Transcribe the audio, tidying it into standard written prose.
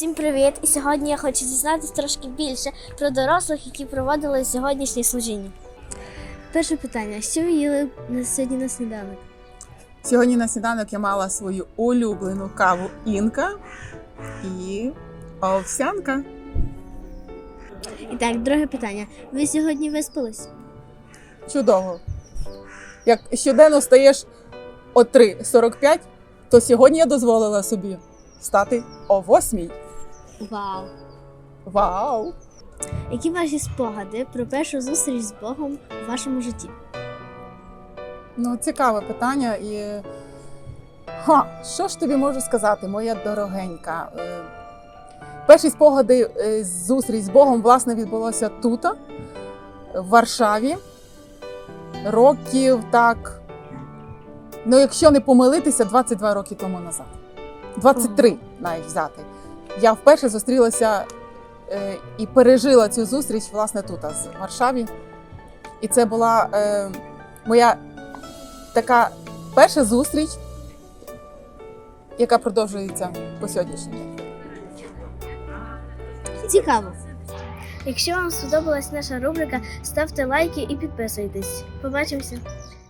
Всім привіт! І сьогодні я хочу дізнатися трошки більше про дорослих, які проводили сьогоднішнє служіння. Перше питання. Що ви їли сьогодні на сніданок? Сьогодні на сніданок я мала свою улюблену каву «Інка» і овсянка. І так, друге питання. Ви сьогодні виспались? Чудово. Як щоденно встаєш о 3:45, то сьогодні я дозволила собі встати о 8:00. Вау! Вау! Які ваші спогади про першу зустріч з Богом у вашому житті? Ну, цікаве питання. І що ж тобі можу сказати, моя дорогенька? Перші спогади зустріч з Богом, власне, відбулося тут, в Варшаві. Років так, ну якщо не помилитися, 22 роки тому назад. 23 навіть взяти. Я вперше зустрілася і пережила цю зустріч, власне, тут, в Варшаві. І це була моя така перша зустріч, яка продовжується по сьогоднішній день. Цікаво! Якщо вам сподобалась наша рубрика, ставте лайки і підписуйтесь. Побачимося!